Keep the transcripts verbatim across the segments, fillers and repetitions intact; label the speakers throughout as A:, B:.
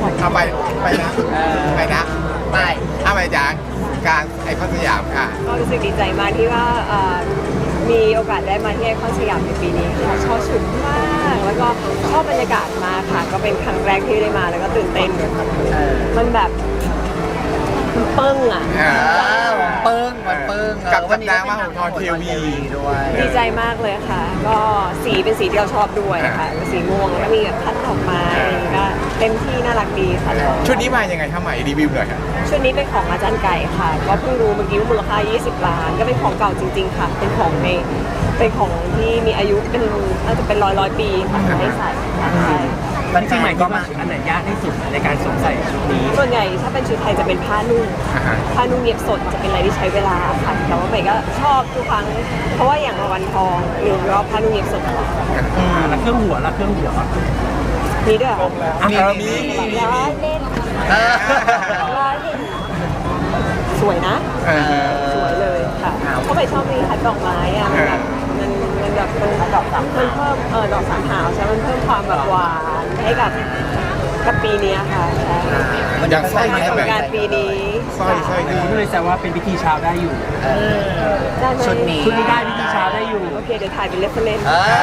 A: เอาไปไปนะไปนะไปเอาไปจากกลางไอคอนสยามค่ะ
B: ก็รู้สึกดีใจมากที่ว่าเอ่อมีโอกาสได้มาที่ไอคอนสยามในปีนี้ค่ะชอบชุดมากแล้วก็ชอบบรรยากาศมากค่ะก็เป็นครั้งแรกที่ได้มาแล้วก็ตื่นเต้นมันแบบมันเปิ้งอ่ะ
C: เปิ้งมันเปิ้ง
A: กับวันนี้มาของทอนทีวี
C: ด้วย
B: ดีใจมากเลยค่ะก็สีเป็นสีที่เราชอบด้วยค่ะสีม่วงแล้วก็มีแบบพัดดอกไม้ก็เต็มที่น่ารักดีค่ะ
A: ชุดนี้มายังไงคะใหม่รีวิวหน่อยค่ะ
B: ชุดนี้เป็นของอาจารย์ไก่ค่ะก็เพิ่งรู้เมื่อกี้ว่ามูลค่ายี่สิบล้านก็เป็นของเก่าจริงๆค่ะเป็นของในเป็นของที่มีอายุเป็นน่าจะเป็นร้อยร้อยปีค่ะให้ใส่ใช่
C: จริงๆใหม่ก็มาอันไหนยากที่สุดในการสวมใส่ชุดนี้
B: ส่วนใหญ่ถ้าเป็นชุดไทยจะเป็นผ้านุ่งผ้านุ่งเย็บสดจะเป็นอะไรที่ใช้เวลาค่ะแต่ว่าใหม่ก็ชอบทุกครั้งเพราะว่าอย่างวันทองหรือรอบผ้านุ่งเย็บสด
C: แล้วเครื่องหัวแล้วเครื่องหัว
B: มีด้วย
A: มีมี
B: ร้อยเล่นร้อยเล่นสวยนะสวยเลยค่ะเพราะใหม่ชอบมีทัดดอกไม้อะมันแบบมันมันแบบมันดอกสามมันเพิ่มเออดอกสามหาวใช่มันเพิ่มความแบบหวานให้กับกับปีนี้ค่ะใช่
A: อย่างสร้อยนี้
B: แบบการปีนี้
A: สร้อยสร้อยนี้
C: ก็เลยแซวว่าเป็นพิธีเช้าได้อยู่ชุดนี้ชุดนี้ได้พิธีเช้าได้อยู่
B: โอเคเดี๋ยวถ่ายเป็นเรฟเฟรนซ์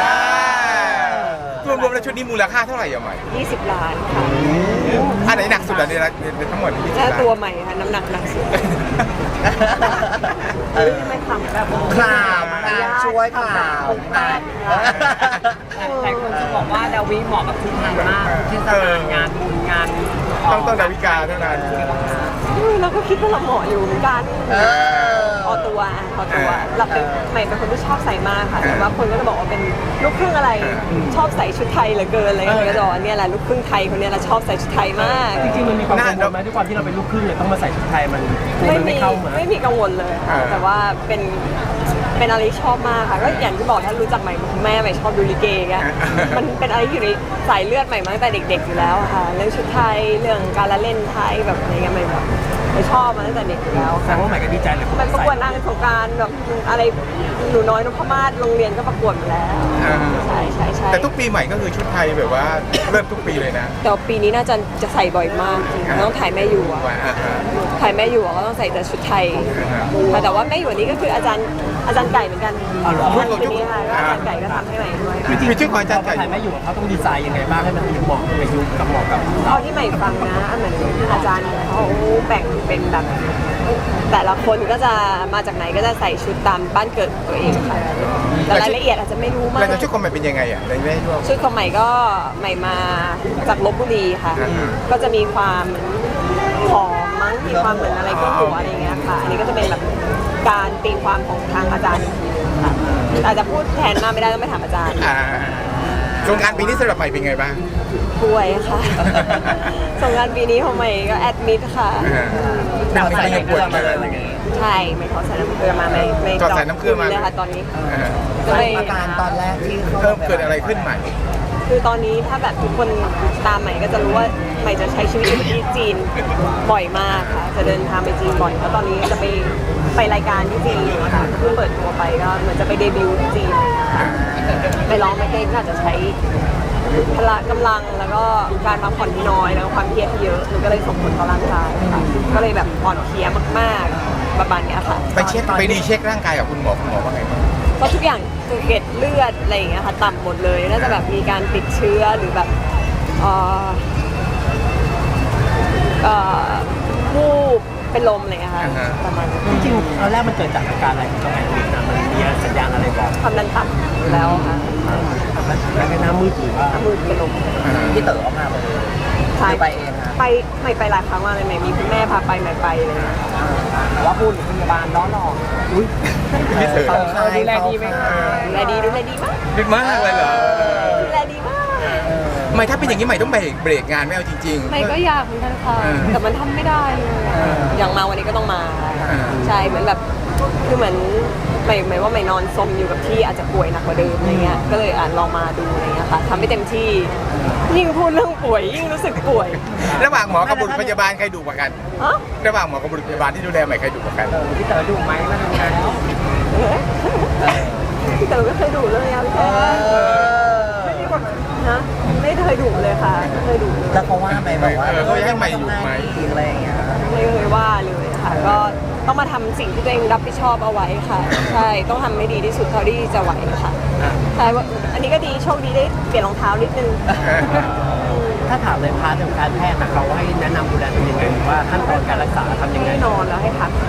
A: รวมๆแล้วชุดนี้มูลค่าเท่าไหร่อ่ะใหม่
B: ยี่สิบล้านค่ะ
A: อันไหนหนักสุดอ่ะในทั้งหมด
B: แค่ตัวใหม่ค่ะน้ำหนักหนักสุดไม่ทำแบบ
C: คลามช่วยคลามแต่คนจะบอกว่าดาวิเหมาะกับชุดไทยมากที่จะงานบุญงาน
A: ต้องต้องดาวิกาเท่านั้น
B: เราก็คิดว่าเราเหมาะอยู่เหมือนกันพอตัวพอตัวเราเป็นใหม่เป็นคนที่ชอบใส่มากค่ะแต่ว่าคนก็จะบอกว่าเป็นลูกครึ่งอะไรชอบใส่ชุดไทยเหลือเกินอะไรอย่างเงี้ยก็จะบอกเนี่ยแหละลูกครึ่งไทยคนนี้เราชอบใส่ชุดไทยมาก
C: จริงๆมันมีความกังวลไหมด้วยความที่เราเป็นลูกครึ่งเลยต้องมาใส่ชุดไทยมัน
B: ไม่มีไม่มีกังวลเลยแต่ว่าเป็นเป็นอะไรที่ชอบมากค่ะก็อย่างที่บอกถ้ารู้จักใหม่แม่ใหม่ชอบดูลิเกกันมันเป็นอะไรที่อยู่ในสายเลือดใหม่มาตั้งแต่เด็กๆอยู่แล้วค่ะเรื่องชุดไทยเรื่องการละเล่นไทยแบบอะไรเงี้ยใหม่แบบไม่ชอบมาตั้งแต่เด็กอยู่แล้ว
C: แสดงว่าใหม่ก็ดีใจเลย
B: มันประกวดนางสงกรานต์แบบอะไรหนูน้อยนพมาศโรงเรียนก็ประกวดมาแล้วใช่ใช่ใช่
A: แต่ทุกปีใหม่ก็คือชุดไทยแบบว่าเริ่มทุกปีเลยนะ
B: แต่ปีนี้น่าจะจะใส่บ่อยมากต้องถ่ายแม่อยู่อ่ะถ่ายแม่อยู่ก็ต้องใส่แต่ชุดไทยแต่ว่าแม่อยู่นี้ก็คืออาจารย์อาจารย์ไก่เหมือนกันชุดนี้ค่ะอาจารย์ไก่ก็ทำให้ใหม่ด้วย
A: มีชื่อของอาจารย์ไก่
C: ถ่ายแม่อยู่เขาต้องดีไซน์ยังไงบ้างให้มันเหมาะกับยุคกับเหมาะกับ
B: เอาที่ใหม่ฟังนะเหมือนอาจารย์เขาแบ่งเป็นแบบแต่ละคนก็จะมาจากไหนก็จะใส่ชุดตามบ้านเกิดตัวเองค่ะแต่รายละเอียดอาจจะไม่รู้มาก
A: แล้วชุดของใหม่เป็นยังไงอ่ะในแม่ช่วง
B: ชุดของใหม่ก็ใหม่มาจากลพบุรีค่ะก็จะมีความหอมมั้งมีความเหมือนอะไรก็หัวอะไรเงี้ยค่ะอันนี้ก็จะเป็นแบบการตีความของทางอาจารย์ค่ะอาจจะพูดแทนมาไม่ได้ต้องไปถามอาจารย์
A: สงกรานต์ปีนี้สำหรับใหม่เป็นไงบ้าง
B: ป่วยค่ะสงกรานต์ปีนี้ของใหม่ก็แอดมิดค่ะ
A: หนักใส่น้ำเกลือมาเลย
B: ใช่ไม่ขอใส่น้ำเกลือมาไม่ไม่
A: ขอใส่น้ำเกลือมา
B: เลยค่ะตอนนี้
C: อาการตอนแรกที่
A: เพิ่มเกิดอะไรขึ้นใหม่
B: คือตอนนี้ถ้าแบบทุกคนตามใหม่ก็จะรู้ว่าใหม่จะใช้ชีวิตอยู่ที่จีนบ่อยมากค่ะจะเดินทางไปจีนบ่อยแล้วตอนนี้จะไปไปรายการที่จีนค่ะเพิ่งเปิดตัวไปก็เหมือนจะไปเดบิวต์ที่จีนไปร้องไปเต้นก็อาจจะใช้พละกำลังแล้วก็การพักผ่อนที่น้อยแล้วความเครียดที่เยอะมันก็เลยส่งผลต่อร่างกายค่ะก็เลยแบบอ่อนเพลียมากๆประมาณนี้ค่ะ
A: ไปเช็คไปดีเช็คร่างกายกับคุณหมอคุณหมอว่าไงบ้าง
B: ก็ทุกอย่างเกล็ดเลือดอะไรอย่างเงี้ยค่ะต่ำหมดเลยน่าจะแบบมีการติดเชื้อหรือแบบเอ่อเอ่อวูบเป็นลมอะไรเงี้ยค่ะประมาณ
C: จริงๆตอนแรกมันเกิดจากอาการอะไรของตัวเองนะมันมีสัญญาณอะไรบอก
B: ความดันต่ำแล้วค่ะ
C: แล้วก็น้ำมืดหรือว่า
B: น้ำมืดเป็นลม
C: ที่เต๋อออกมา
B: ใช่ไปเองไปไม่ไปหลายครั้งมากเลยไม่มีคุณแม่พาไปไม่ไปเลย
C: ว่าพูดพยาบาลล้อหลอกอุ้ย
A: พี่เต๋อ
B: ดูแลดีไหมดูแลดีดูแลดีมาก
A: ดีมากเลยเหรอ
B: ดูแลดีมาก
A: ไม่ถ้าเป็นอย่างนี้ใหม่ต้องเบรกเบรกงานไม่เอาจริง
B: ๆไม่ก็อยากเหมือนกันค่ะแต่มันทำไม่ได้อย่างมาวันนี้ก็ต้องมาใช่เหมือนแบบคือเหมือนใหม่หมายว่าใหม่นอนซมอยู่กับที่อาจจะป่วยหนักกว่าเดิมอะไรเงี้ยก็เลยอ่านลองมาดูอะไรเงี้ยค่ะทำให้เต็มที่ยิ่งพูดเรื่องป่วยยิ่งรู้สึกป่วย
A: ระหว่างหมอกับบุรุษพยาบาลใครดุกว่ากันระหว่างหมอกับบุรุษพยาบาลที่ดูแลใหม่ใครดุกว่ากัน
C: พี่เต๋อดุไหมมาทำงาน
B: พี่เต๋อก็เคยดุเลยอ่ะพี่เต๋อไม่มีคนฮะไม่เคยดุเลยค่ะไม่เคยดุเลย
D: แล้วเขาว่าไหมแบบว่า
A: เออเขาให้ใหม่อยู่ไหม
D: อะไรอย่างเงี้ย
B: ไม่เคยว่าเลยค่ะ ก็ต้องมาทำสิ่งที่ตัวเองรับผิดชอบเอาไว้ค่ะ ใช่ต้องทำให้ดีที่สุดเท่าที่จะไหวค่ะใช่ว่าอันนี้ก็ดีโชคดีได้เปลี่ยนรองเท้านิดนึง
C: ถ้าถามเลยพาร์ทของการแพทย์นะเขาให้แนะนำดูแลตัวเองยังไงหรือว่าขั้นตอนการรักษาทำยังไง
B: ให้นอนแล้วให้พักค่ะ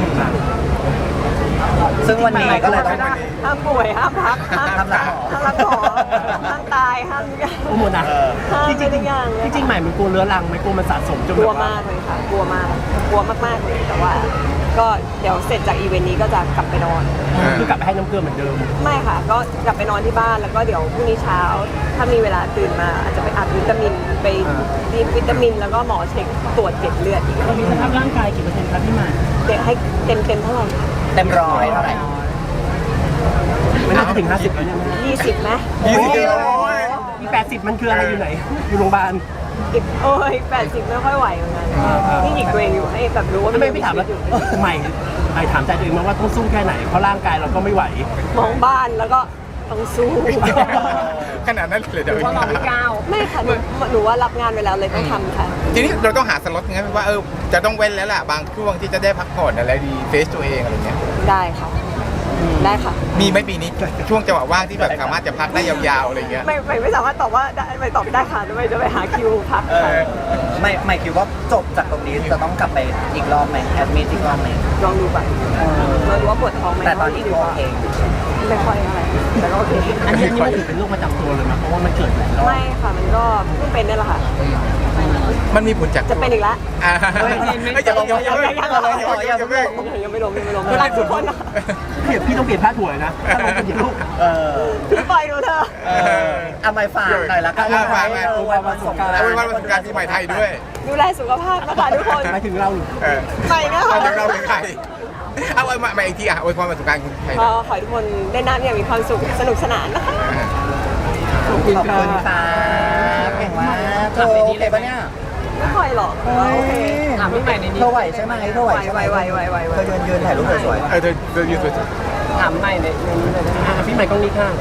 D: ซึ่งวันนี้ก็เลยต้อง
B: ห้ามป่วยห้ามพักห้าม
D: ห้ามรักหมอ
B: ห้ามรักหมอห้ามตายห้ามทุกอย่าง
C: โอ้โหนะ
B: ห้าม
C: จริง
B: ทุกอย่างเลย
C: ๆจริงๆใหม่มันกลัวเรื้อรังไหม่กลัวมันสะสมจน
B: ก
C: แบ
B: ลัว
C: บว่าม
B: ากเลยค่ะ กลัวมากกลัวมากๆเลยแต่ว่า ก็เดี๋ยวเสร็จจากอีเวนต์นี้ก็จะกลับไปนอน
C: คือกลับไปให้น้ำเกลือเหมือนเดิม
B: ไม่ค่ะ ก็กลับไปนอนที่บ้านแล้วก็เดี๋ยวพรุ่งนี้เช้า ถ้ามีเวลาตื่นมาอาจจะไปอัดวิตามินไปดีวิตามิน แล้วก็หมอเช็คตรวจเกล็ดเลือดอีก
C: เรามีสภาพร่างกายกี่เปอร์เซ็นต์ครับพี่ใหม่
B: เด็กให้เต็มเต็มๆเท่าไหร่คะ
D: เต็มร้อยเท่าไหร่
C: ไม่น่าจะถึงห้าสิบแล้วเนี่ย
B: ยี่สิบไหม
A: ยี่สิบโอ้ย
C: มีแปดสิบมันคืออะไรอยู่ไหน อยู่โรงพยาบาล
B: อีกโอ้ยแปดสิบไม่ค่อยไหวเหมือนกัน
C: อ่าๆ
B: นี่หยิกตัวเองอยู่ให้แบบรู้ว่า
C: ทำไมไม่ถามแล้ว
B: อยู่
C: ใหม่ใหม่ถามใจตัวเองมาว่าต้องสู้แค่ไหน เพราะร่างกายเราก็ไม่ไหว
B: มองบ้านแล้วก็ต้องสู้
A: ขนาดนั้นเลยเดี๋ยว
B: ไม่ค่ะหนูหนูว่ารับงานไปแล้วเลยต้องทำค่ะ
A: ทีนี้เราต้องหาสล็อตไงว่าเออจะต้องเว้นแล้วล่ะบางช่วงที่จะได้พักผ่อนอะไรดีเฟซตัวเองอะไรเงี้ย
B: ได้ค่ะ ได้ค่ะ
A: มีไหมปีนี้ช่วงจังหวะว่างที่แบบสามารถจะพักได้ยาวๆอะไรเงี้ย
B: ไม่ไม่ไม่สามารถตอบว่าได้ไม่ตอบได้ค่ะไม่จะไปหาคิวพัก
A: เอ
B: ค่ะ
A: อ
D: ไม่ไม่คิดว่าจบจากตรงนี้จะต้องกลับไปอีกรอบไหมแอดมิทอีกรอบไหม
B: ลองดูก่อนเราดูว่าปวดท้องไหม
D: แต่ตอนนี้ก็โอเค
B: ไม่ค่อยอะไรแต่ก็โอเค
C: อันนี้อันนี้มันถือเป็นโรคประจำตัวเลยนะเพราะว่ามันเกิดหลายรอบ
B: ไม่ค่ะมันก็เพิ่งเป็นนี่แหละค่ะ
A: มันมีผลจาก
B: จะเป็นอีกแล้ว
A: อ่าไม่จะต้องยังยังยังยังยังยังไม่
B: ยังไม่ลงยังไม่ลงรักทุกคนนะ
C: เดี๋ยวพี่ต้องเปลี่ยนผ้าถั่วเลยนะถ้าลงเป็นอย่างลูก
D: เออ
B: พี่ปล่อยดูเธอ
D: เออเอาไม้ฝากหน่อยละกัน
A: เอาฝากไว้
D: เออวันวันสงกรานต์
A: เอาเป็นวันประสบการณ์ปีใหม่ไทยด้วย
B: ดูแลสุขภาพนะคะทุกคน
C: หมายถึงเราหรือ
A: เออ
B: ไปนะคะ
A: เอาถึงเราถึงใครเอาไว้มาอีกทีอ่ะอวยพรประสบการณ์คุณไทย
B: ก็ขอให้ทุกคนได้น้ำอย่างมีความสุขสนุกสนานนะคะ
D: ขอบคุณค่ะเก่งมากเธอโอเคปะเนี่ย
B: ไม่ค่อยหรอกแต่ว่าโอเค
C: ถามพี่ใหม่ในนี้
D: เธอไหวใช่ไหมเธอไหวใช่ไหม
B: ไหวไหวไหวไหว
D: เธอยืนยืนถ่ายรูปสวย
A: เออเธอเธอยืนสวย
C: ถามใหม่ในในนี้เลยนะอ่ะพี่ใหม่กล้องนี้ข้าง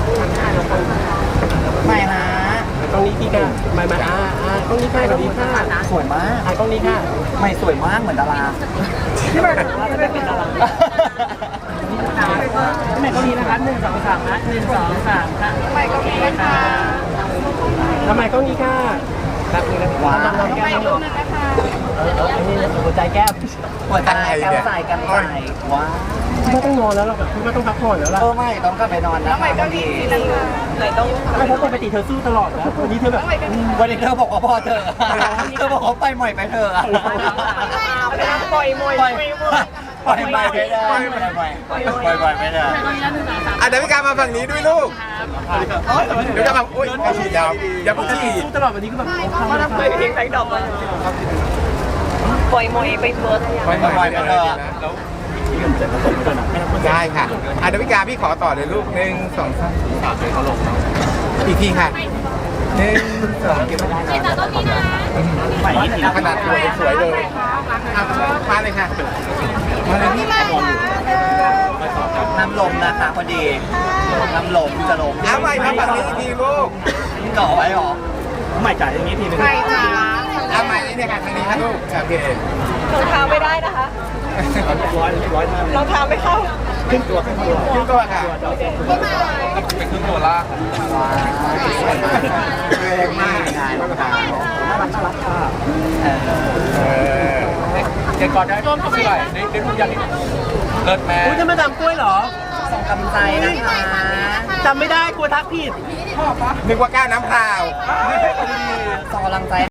D: ๆไม่นะ
C: กล้องนี้พี่ข้างใหม่ใหม่อ่าอ่ากล้องนี้ข้างกล้องนี้ข้าง
D: สวยมาก
C: อ่ากล้องนี้ข้าง
D: ไม่สวยมากเหมือนดารา
B: ที่แบบว่าจะไม่เป็นอะไร
C: พี่ใหม่กล้องนี้นะครับหนึ่งสองสามนะหนึ่งสองสามค่ะพี่ใหม่กล้องนี้นะคะทำไมกล้องนี้ค่ะแบบนี้นะ
D: ว้าว
C: น้องแก้มน้องเออเอออันนี้หัวใจแก้ม
D: หัวใจแก้มใส่กันใส่ว้าว
C: พี่ว่าต้องนอนแล้วล่ะพี่ว่าต้องพักผ่อนแล้วล่ะ
D: เออไม่ต้องกลับไปนอนนะไม่ก็ดี
B: ไหนต้อง
C: ไม่เพราะปกติเธอสู้ตลอดนะวันนี้เธอแบบ
D: วันนี้เธอบอกว่าพอเธอเธอบอกว่าไปใหม่ไปเธอ
B: ปล่อยมวย
D: ปล่อยปล่อยไปไม่ได้ปล่อยไปปล่อยไปไม่ได้
A: อ่ะเดี๋ยวพี่การมาฝั่งนี้ด้วยลูกเดี๋ยวจะมาอุ้ยไอ้ฉีดยาวอย่าพูดฉีด
C: สู้ตลอดวันนี้ก็แบบ
B: ปล่อยเพลงแบงค์ดอกมาปล่อยมวยไปเฟิร์ส
A: ปล่อยปล่อยไปเลยได้ค่ะอ่ะเดี๋ยวพี่การพี่ขอต่อเลยลูกหนึ่งสองสามอีกทีค่ะหนึ่งสองเก็บไว้ได้นะขนาดตัวสวยเลยเอามาเลยค่ะมาเลยพี่
D: น้ำลมนะคะพอดีน้ำลมจะลม
A: เอาใหม่มาฝั่งนี้อีกทีลูก
D: ก่อไว้หรอ
C: ใหม่จ่ายอย่างนี้ทีนึง
A: เอาใหม่นี่เนี่ยค่ะทางนี้ค่ะลูกโอเค
B: รองเท้าไม่ได้นะคะ
C: ร้อยร้อยมาก
B: รองเท้าไม่เข้า
C: ขึ้นตัวขึ้นตัว
A: ขึ้นตัวค่ะ
C: เป็นขึ้นตัวล่าง
A: แรงมาก
D: งานรองเท้า
C: น่ารักน่ารักค่ะ
D: เออ
A: เออ
C: เด็กก่อนได้ต้นเขาไม่ไหวในในทุกอย่างนี้เลิศแม่อุ้ยจะมาดามกล้วยเหรอ
D: ส่งกำลังใจนะคะ
C: จำไม่ได้กลัวทักผิด
A: นึกว่าก้าวน้ำเปล่า
D: ส่งกำลังใจ